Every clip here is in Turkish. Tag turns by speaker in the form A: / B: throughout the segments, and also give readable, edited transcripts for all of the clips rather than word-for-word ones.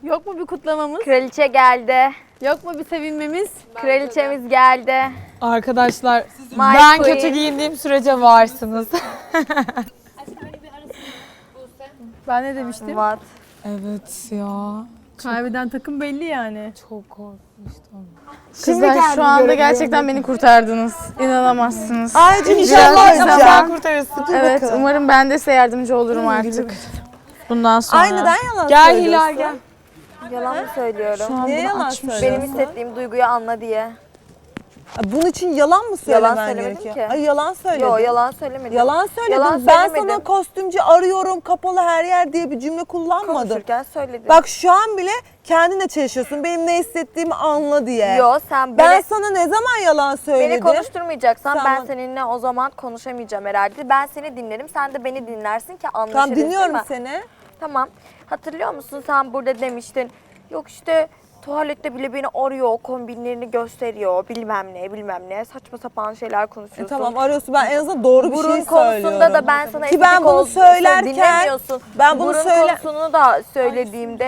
A: Yok mu bir kutlamamız?
B: Kraliçe geldi.
A: Yok mu bir sevinmemiz?
B: Kraliçemiz geldi.
C: Arkadaşlar
B: My
C: ben
B: queen.
C: kötü giyindiğim sürece varsınız.
A: Ben ne demiştim?
B: What?
C: Evet ya.
A: Kaybeden takım belli yani.
C: Çok korkmuştum.
A: Kızlar şu anda gerçekten beni kurtardınız. İnanamazsınız.
D: Ayrıca
A: Biraz
D: inşallah
A: insan-
D: sen
C: kurtarırsın.
A: Evet, umarım ben de size yardımcı olurum artık.
C: Bundan sonra.
D: Ay neden yalan
C: Gel
D: söylüyorsun?
C: Hilal gel.
B: Yalan mı söylüyorum?
D: Niye yalan
B: Benim
D: söylüyorsun?
B: hissettiğim duyguyu anla diye.
D: Bunun için yalan mı
B: Yalan
D: söylemen
B: söylemedim
D: gerekiyor?
B: ki.
D: Ay yalan söyledin.
B: Yo yalan söylemedim.
D: Yalan söyledin.
B: Yalan
D: Ben
B: söylemedim.
D: sana kostümcü arıyorum kapalı her yer diye bir cümle kullanmadım.
B: Konuşurken söyledim.
D: Bak şu an bile kendinle çalışıyorsun. Benim ne hissettiğimi anla diye.
B: Yo sen
D: Ben
B: beni,
D: sana ne zaman yalan söyledim?
B: beni konuşturmayacaksan
D: Sen
B: ben
D: bana-
B: seninle o zaman konuşamayacağım herhalde. Ben seni dinlerim, sen de beni dinlersin ki anlaşırız.
D: Tamam dinliyorum
B: değil mi?
D: seni.
B: Tamam. Hatırlıyor musun sen burada demiştin. Yok işte tuvalette bile beni arıyor, o kombinlerini gösteriyor, bilmem ne. Saçma sapan şeyler konuşuyorsun.
D: Tamam arıyorsun. Ben en azından doğru bir
B: Burun
D: şey
B: konusunda
D: söylüyorum.
B: da ben sana
D: Ki
B: estetik
D: ben bunu
B: olduğunu
D: söylerken
B: dinlemiyorsun.
D: ben bunu
B: Burun
D: söyle
B: konusunu da söylediğimde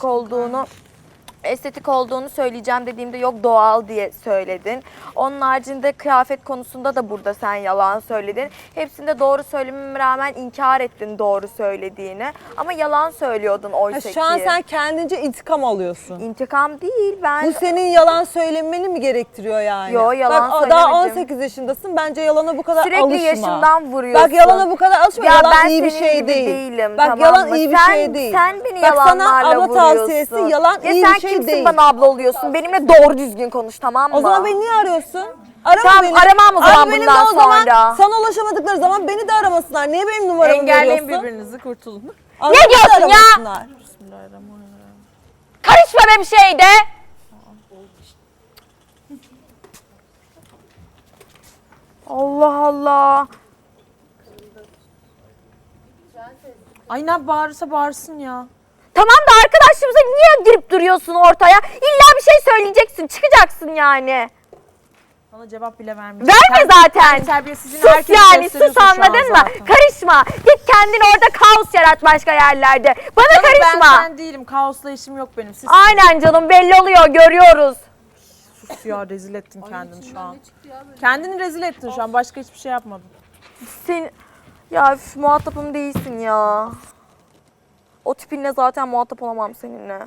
B: estetik olduğunu söyleyeceğim dediğimde yok doğal diye söyledin. Onun haricinde kıyafet konusunda da burada sen yalan söyledin. Hepsinde doğru söylememe rağmen inkar ettin doğru söylediğini. Ama yalan söylüyordun oysa ki.
D: şu an sen kendince intikam alıyorsun.
B: İntikam değil ben.
D: Bu senin yalan söylemeni mi gerektiriyor yani?
B: Yo, yalan
D: Bak daha
B: söylemedim.
D: 18 yaşındasın. Bence yalana bu kadar
B: Sürekli
D: alışma.
B: yaşımdan vuruyorsun.
D: Bak yalana bu kadar alışma.
B: Ya
D: yalan
B: ben
D: iyi bir
B: senin
D: şey
B: gibi
D: değil.
B: değilim,
D: Bak
B: tamam
D: yalan
B: mı?
D: iyi bir
B: Sen-
D: şey değil.
B: sen beni
D: Bak sana
B: yalanlarla
D: abla tavsiyesi
B: vuruyorsun.
D: yalan
B: Ya
D: iyi
B: sen
D: bir şey
B: kimsin
D: değil.
B: bana abla oluyorsun? Benimle doğru düzgün konuş tamam mı?
D: O zaman beni niye arıyorsun? Arama
B: Tamam,
D: beni.
B: aramam o zaman
D: Abi benim de
B: bundan
D: o zaman
B: sonra.
D: sana ulaşamadıkları zaman beni de aramasınlar. Niye benim numaramı
C: Engelleyin
D: veriyorsun?
C: birbirinizi kurtulun.
D: Anladın
B: Ne
D: mı?
B: diyorsun ya?
D: Aramasınlar.
B: Karışma be bir şeyde. Allah Allah.
C: Ay ne bağırırsa bağırsın ya.
B: Tamam da arkadaşımıza niye girip duruyorsun ortaya? İlla bir şey söyleyeceksin, çıkacaksın yani.
C: Bana cevap bile vermiyor.
B: Verme zaten.
C: Terbiyesizliğini
B: Sus
C: herkese
B: yani, sus
C: gösteriyorsun şu an
B: anladın mı?
C: zaten.
B: Karışma. Git kendin orada kaos yarat başka yerlerde. Bana
C: Ben
B: karışma.
C: sen değilim. Kaosla işim yok benim. Siz
B: Aynen canım belli oluyor, görüyoruz.
C: sus ya, rezil ettin kendini şu an. Kendini rezil ettin şu an. Başka hiçbir şey yapmadın.
B: Sen ya üf, muhatapım değilsin ya. O tipinle zaten muhatap olamam seninle.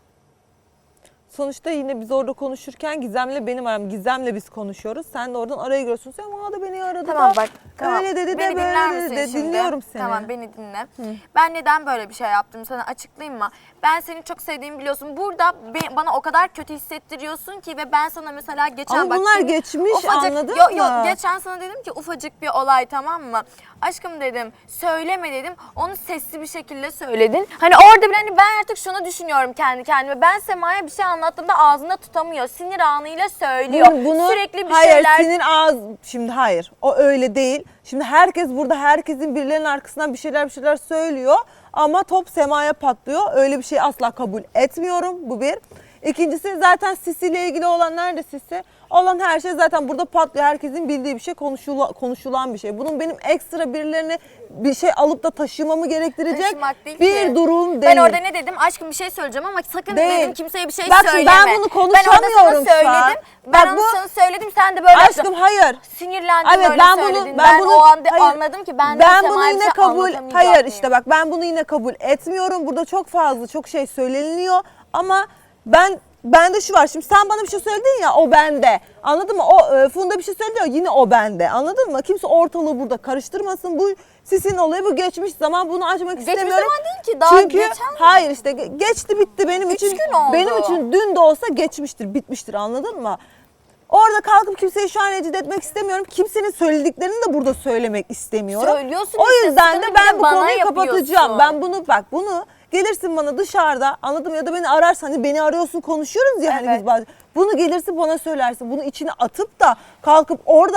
D: Sonuçta yine biz orada konuşurken Gizem'le benim aram. Gizem'le biz konuşuyoruz. Sen de oradan araya giriyorsun. Sen da beni aradı
B: Tamam
D: da.
B: bak. Tamam.
D: Öyle dedi de
B: Beni
D: böyle
B: dinler
D: dedi
B: misin
D: de.
B: şimdi?
D: Dinliyorum seni.
B: Tamam beni dinle. Ben neden böyle bir şey yaptım sana açıklayayım mı? Ben seni çok sevdiğimi biliyorsun. Burada bana o kadar kötü hissettiriyorsun ki ve ben sana mesela geçen
D: Ama
B: bak
D: bunlar
B: senin
D: geçmiş, anladın
B: yok,
D: mı?
B: Yok geçen sana dedim ki ufacık bir olay tamam mı? Aşkım dedim söyleme dedim. Onu sesli bir şekilde söyledin. Hani orada bile hani ben artık şunu düşünüyorum kendi kendime. Ben Sema'ya bir şey anlattığımda ağzında tutamıyor. Sinir anıyla söylüyor. Sürekli bir
D: hayır,
B: şeyler.
D: Senin ağız... Şimdi hayır. O öyle değil. Şimdi herkes burada herkesin birilerinin arkasından bir şeyler söylüyor. Ama top Sema'ya patlıyor. Öyle bir şey asla kabul etmiyorum. Bu bir. İkincisi zaten Sisi ile ilgili olan nerede Sisi? Olan her şey zaten burada patlıyor. Herkesin bildiği bir şey, konuşulan bir şey. Bunun benim ekstra birilerine bir şey alıp da taşımamı gerektirecek
B: Taşımak değil
D: bir
B: ki.
D: durum değil.
B: Ben orada ne dedim? Aşkım bir şey söyleyeceğim ama sakın
D: Değil.
B: dedim kimseye bir şey
D: Bak şimdi
B: söyleme.
D: ben bunu konuşamıyorum
B: Ben orada
D: şu
B: sana
D: an.
B: söyledim. Ben
D: Bak
B: onu
D: bu-
B: sana söyledim sen de böyle
D: Aşkım hayır.
B: sinirlendin
D: Evet,
B: böyle
D: ben bunu-
B: söyledin.
D: ben
B: Ben
D: bunu-
B: o anda
D: hayır.
B: anladım ki ben
D: bunu
B: Sema'ya bir
D: yine
B: şey
D: kabul
B: anlatamayacak
D: hayır
B: mıyım?
D: işte bak ben bunu yine kabul etmiyorum. Burada çok fazla çok şey söyleniliyor ama bende şu var. Şimdi sen bana bir şey söyledin ya o bende. Anladın mı? O Funda bir şey söyledi ya yine o bende. Anladın mı? Kimse ortalığı burada karıştırmasın. Bu sizin olayı bu geçmiş zaman bunu açmak
B: Geçmiş
D: istemiyorum.
B: zaman değil ki, daha
D: Çünkü
B: geçen
D: hayır işte geçti bitti benim için.
B: gün oldu.
D: Benim için dün de olsa geçmiştir, bitmiştir anladın mı? Orada kalkıp kimseyi şu an rencide etmek istemiyorum. Kimsenin söylediklerini de burada söylemek istemiyorum.
B: Söylüyorsun
D: O
B: işte,
D: yüzden de
B: sıkıntı
D: ben
B: bir de
D: bu
B: bana
D: konuyu
B: yapıyorsun.
D: kapatacağım. Ben bunu gelirsin bana dışarıda anladın mı? Ya da beni ararsan hani beni arıyorsun konuşuyoruz ya hani
B: Evet.
D: biz bazen. Bunu gelirsin bana söylersin. Bunu içine atıp da kalkıp orada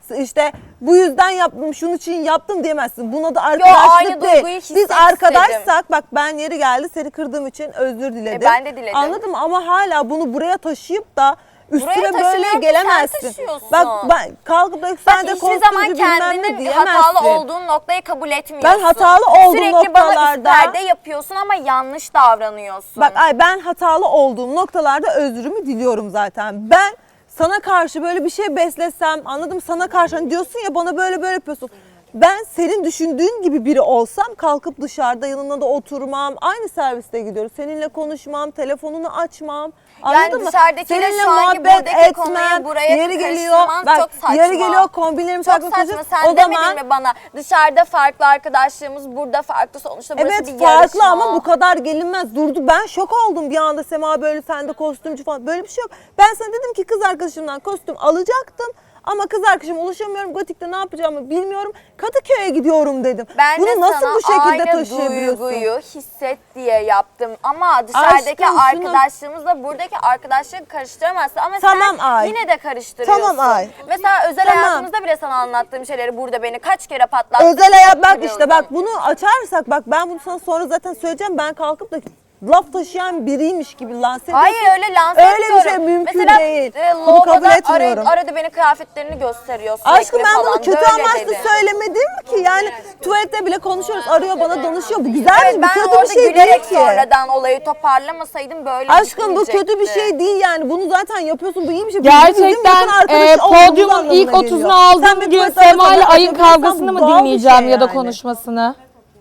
D: İşte bu yüzden yaptım, şunun için yaptım diyemezsin. Buna da
B: aynı
D: arkadaşlık
B: duyguyu
D: değil. Biz
B: hissettim.
D: arkadaşsak bak ben yeri geldi seni kırdığım için özür diledim.
B: Ben de diledim.
D: Anladın mı? Ama hala bunu buraya taşıyıp da üstüne
B: Buraya
D: böyle
B: taşımıyorum ki,
D: gelemezsin.
B: sen taşıyorsun.
D: Bak ben kalkıp da
B: Bak
D: sen de
B: hiçbir zaman
D: kostümcü bilmem ne
B: kendinin
D: diyemezsin.
B: hatalı olduğun noktayı kabul etmiyorsun.
D: Ben hatalı olduğum
B: Sürekli bana
D: noktalarda-
B: üstlerde yapıyorsun ama yanlış davranıyorsun.
D: Bak ben hatalı olduğum noktalarda özrümü diliyorum zaten. Ben sana karşı böyle bir şey beslesem, anladım, sana karşı hani diyorsun ya bana böyle yapıyorsun. Ben senin düşündüğün gibi biri olsam kalkıp dışarıda yanına da oturmam. Aynı serviste gidiyoruz. Seninle konuşmam, telefonunu açmam. Anladın mı?
B: dışarıdakiyle
D: Seninle
B: şu anki
D: muhabbet
B: buradaki konuyu buraya
D: yeri geliyor.
B: karıştırman
D: Bak,
B: çok saçma.
D: yeri geliyor kombinlerimi
B: Çok
D: takmak
B: saçma.
D: istiyorsun.
B: Sen
D: O
B: demedin
D: zaman
B: mi bana dışarıda farklı arkadaşlığımız, burada farklı, sonuçta burası
D: evet
B: bir
D: farklı
B: yarışma.
D: ama bu kadar gelinmez. Durdu. Ben şok oldum bir anda, Sema böyle sende kostümcü falan. Böyle bir şey yok. Ben sana dedim ki kız arkadaşımdan kostüm alacaktım. Ama kız arkadaşıma ulaşamıyorum. Gotik'te ne yapacağımı bilmiyorum. Kadıköy'e gidiyorum dedim.
B: Ben de
D: Bunu nasıl
B: sana
D: bu şekilde
B: aynı
D: taşıyabiliyorsun?
B: duyguyu hisset diye yaptım. Ama dışarıdaki
D: Aşkım, şunu-
B: arkadaşlığımızla buradaki arkadaşlığı karıştıramazsın. Ama
D: Tamam,
B: sen
D: Ay.
B: yine de karıştırıyorsun.
D: Tamam, Ay.
B: Mesela özel
D: Tamam.
B: hayatımızda bile sana anlattığım şeyleri burada beni kaç kere patlattın.
D: Özel hayat bak işte bak bunu açarsak bak ben bunu sana sonra zaten söyleyeceğim. Ben kalkıp da laf taşıyan biriymiş gibi lanse ediyorsun.
B: Hayır öyle lanse
D: Öyle bir
B: etmiyorum.
D: şey mümkün
B: Mesela,
D: değil. Bunu
B: lavaboda
D: kabul etmiyorum.
B: arada beni kıyafetlerini gösteriyor sürekli
D: Aşkım ben
B: falan.
D: bunu kötü
B: Böyle
D: amaçlı
B: dedi.
D: söylemedim ki. Yani tuvalette bile konuşuyoruz. Arıyor bana danışıyor. Bu güzel
B: Evet,
D: bir
B: ben
D: kötü
B: orada
D: bir şey değil
B: gülerek
D: ki.
B: sonradan olayı toparlamasaydım böyle
D: Aşkım bu kötü bir
B: gitmeyecekti.
D: şey değil yani. Bunu zaten yapıyorsun. Bu iyi bir şey. Bizim
E: Gerçekten
D: yakın arkadaşı olduğumuz
E: podyumun
D: anlamına
E: ilk
D: geliyor.
E: 30'unu
D: Sen
E: aldığım
D: bir
E: gün
D: tuvalete
E: Sema ile
D: arıyorsan
E: ayın
D: bu
E: kavgasını mı
D: doğal bir
E: dinleyeceğim
D: şey
E: ya da
D: yani.
E: konuşmasını?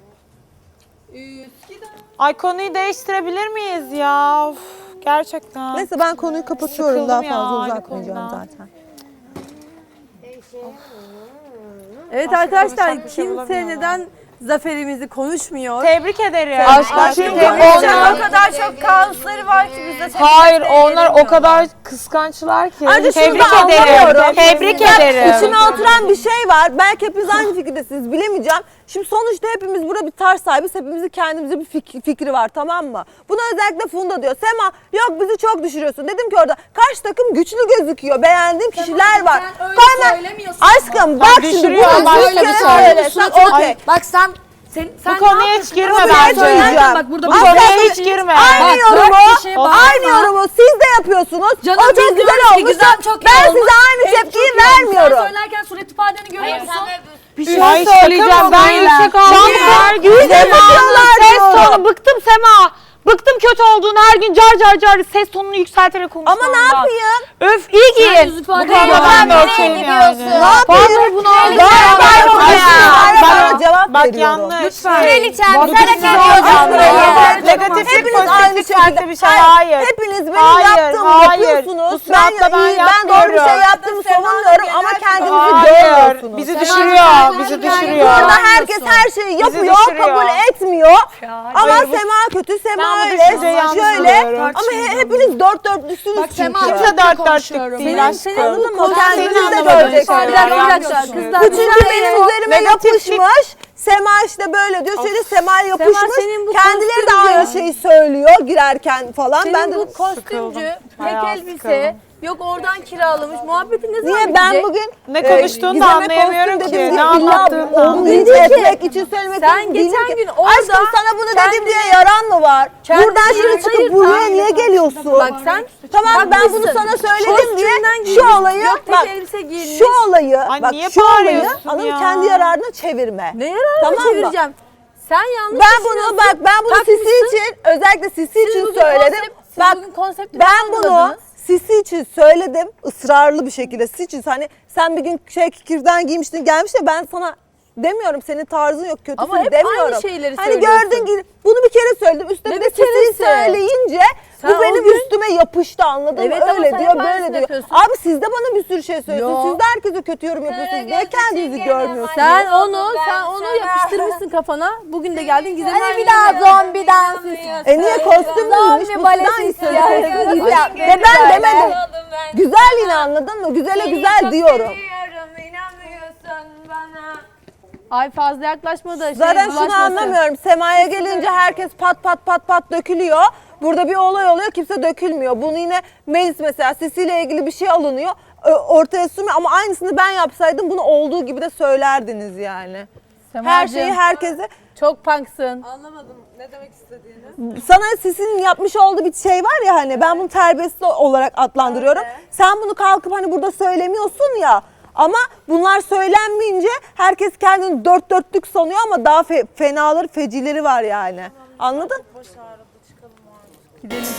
C: Ay konuyu değiştirebilir miyiz ya? Of, gerçekten.
D: Neyse ben konuyu kapatıyorum.
C: Sıkıldım
D: Daha
C: ya
D: fazla
C: aynı
D: uzatmayacağım
C: konudan.
D: zaten.
F: Evet
C: Başka
F: arkadaşlar
C: konuşacak bir şey
F: kimse
C: bulamıyorum.
F: neden zaferimizi konuşmuyor?
C: Tebrik ederim.
E: Çünkü
F: Onlar
E: onlar...
F: o kadar çok kaosları var ki bizde.
E: Hayır onlar o kadar kıskançlar ki.
D: Ayrıca şunu
C: Tebrik
D: da
C: ederim.
D: anlamıyorum.
C: Tebrik
D: Bak,
C: ederim.
D: İçime oturan bir şey var. Belki hepiniz aynı fikirdesiniz. Bilemeyeceğim. Şimdi sonuçta hepimiz burada bir tarz sahibiz. Hepimizin kendimize bir fikri var, tamam mı? Buna özellikle Funda diyor. Sema yok bizi çok düşürüyorsun. Dedim ki orada karşı takım güçlü gözüküyor. Beğendiğim kişiler var. Aşkım bak şimdi
C: düşürüyor,
D: bunu
C: başka
D: bir
C: bir
D: kere
C: şey.
D: söylesen okey.
G: Bak sen
C: Bu konuya hiç girme
D: Ama bir şey
C: bence.
D: söyleyeceğim.
G: Bak burada
C: Bu
D: Asla
C: konuya
D: bir-
C: hiç girme.
D: Aynı yorumu,
G: kişiye bağırma.
D: aynı yorumu siz de yapıyorsunuz.
G: Canım,
D: O çok
G: biz
D: güzel
G: diyoruz ki
D: olmuş.
G: güzel, çok iyi
D: Ben
G: olmuş.
D: size aynı tepkiyi vermiyorum.
G: Sen söylerken surat ifadeni görüyor musun?
E: Bir şey
C: Ay, şaka
E: söyleyeceğim.
C: mı
E: Ben
C: bu ya?
E: yüksek
C: Şu an
E: aldım her gün.
D: yapıyorlar
E: Ses
D: diyorum.
E: tonu. Bıktım Sema. Bıktım kötü olduğunu her gün car ses tonunu yükselterek konuşmandan.
D: Ama ne yapayım?
E: Öf iyi
G: Sen
E: giyin.
G: yüz ifadeni
C: konuda
G: görüyor
C: ben de
G: musun?
C: okeyim
B: Nereye
C: yani.
B: gidiyorsun?
D: Ne yapayım?
E: Vallahi bunu aldım.
D: Bana cevap
C: Bak
D: veriyorum.
C: yanlış.
B: Kraliçem
C: Bak,
B: sen hak
C: lütfen.
B: ediyorsun burayı.
C: Negatiflik
D: Hepiniz aynı
C: pozitiflik farklı
D: şekilde.
C: bir şey. Hayır.
D: Hepiniz benim
C: Hayır,
D: yaptığımı
C: hayır.
D: yapıyorsunuz.
C: Bu sınavda ben
D: ben doğru bir şey
C: yapmıyorum.
D: yaptığımı savunmuyorum ama kendinizi
C: Hayır.
D: görmüyorsunuz.
C: Bizi düşürüyor. Bizi düşürüyor.
D: Burada herkes her şeyi yapıyor,
C: düşürüyor.
D: kabul etmiyor. Ama
C: Hayır, bu-
D: Sema kötü, Sema
C: Ben bu
D: öyle,
C: düşünceyi yanlış
D: şöyle.
C: buluyorum.
D: Ama hepiniz dört dörtlüsünüz çünkü.
C: Kimse dört dörtlük değil aşkım.
D: Anladın mı?
C: Sen
D: Kendiniz
C: seni
D: de
C: anlamadığın
D: göreceksiniz.
C: şeyler
F: Bir dakika
C: yapıyorsun.
F: kızlar.
D: Bu çünkü benim üzerime
C: Negatiflik-
D: yapışmış. Sema işte böyle diyor. Şöyle Sema yapışmış.
F: senin bu
D: Kendileri de
F: kostümcü-
D: aynı şeyi söylüyor girerken falan. Ben
F: Senin
D: de
F: bu kostümcü, tek
C: Bayağı
F: elbise,
C: sıkıldım.
F: yok oradan kiralamış. Muhabbeti ne zaman
D: niye ben
F: bitecek?
D: bugün
C: Ne konuştuğunu da
D: Gizem'e
C: anlayamıyorum
D: kostüm
C: ki.
D: dedim
C: Ne
D: diye
C: anlattığını da
D: illa
C: anlayamıyorum.
D: onu etmek için söylemek
F: Sen
D: için
F: geçen
D: değilim ki.
F: gün orada
D: Aşkım sana bunu dedim
F: kendini-
D: diye yaran mı var?
F: Kendini
D: Buradan şimdi çıkıp
F: hayır,
D: buraya
F: tamam.
D: niye geliyorsun?
F: Bak sen
D: Tamam ben bunu
F: haklısın.
D: sana söyledim diye
F: Kostümden
D: şu
F: giymiş,
D: olayı
F: yok tek
D: bak
F: elbise giymiş.
D: şu olayı
C: Ay,
D: bak
C: niye
D: şu olayı
C: bağırıyorsun
D: anladın
C: ya?
D: kendi yararına çevirme.
F: Ne yararına
D: Tamam mı?
F: çevireceğim? Sen yanlış
D: Ben bunu
F: düşünüyorsun.
D: bak ben bunu Sisi
F: Takmışsın.
D: için özellikle Sisi
F: Siz
D: için
F: bugün
D: söyledim.
F: siz
D: Bak
F: bugün konsepti
D: ben bunu
F: anladınız.
D: Sisi için söyledim ısrarlı bir şekilde. Sisi için hani sen bir gün kürdan giymiştin gelmiş de ben sana demiyorum senin tarzın yok kötüsün
F: Ama hep
D: demiyorum.
F: aynı şeyleri
D: hani
F: söylüyorsun.
D: gördün ki bunu bir kere söyledim üstüne
F: Ne
D: bir de
F: bir keresi?
D: Sisi'yi söyleyince
F: Sen
D: bu
F: o
D: benim
F: gün-
D: üstüme yapıştı anladın
F: Evet
D: mı?
F: ama
D: Öyle
F: sen
D: diyor
F: hep
D: böyle
F: aynısını
D: diyor.
F: yapıyorsun.
D: Abi siz de bana bir sürü şey söylüyorsunuz.
F: Yo.
D: Siz de herkese kötü yorum yapıyorsunuz. Niye kendinizi görmüyorsunuz?
F: Sen onu yapıştırmışsın kafana. Bugün de geldin Gizem'in
B: Hadi bir daha zombi dansı istiyorsun.
D: Niye kostüm giymiş? Bu
B: balesi
D: sizden
B: istiyorsun.
D: istiyorsun. Ve ben demedim. Güzel yine anladın mı? Güzele güzel diyorum.
B: İnanmıyorsun bana.
F: Ay fazla yaklaşma da
D: Zaten şunu
F: bulaşmasın.
D: anlamıyorum. Sema'ya gelince herkes pat pat dökülüyor. Burada bir olay oluyor kimse dökülmüyor. Bunu yine Melis mesela Sisi ile ilgili bir şey alınıyor. ortaya sürme ama aynısını ben yapsaydım bunu olduğu gibi de söylerdiniz yani. Her şeyi herkese.
F: Çok punksın.
D: Sana Sisi'nin yapmış olduğu bir şey var ya hani ben bunu terbiyesiz olarak adlandırıyorum. Sen bunu kalkıp hani burada söylemiyorsun ya. Ama bunlar söylenmeyince herkes kendini dört dörtlük sanıyor ama daha fenaları, fecileri var yani. Anladın?
C: Gidelim.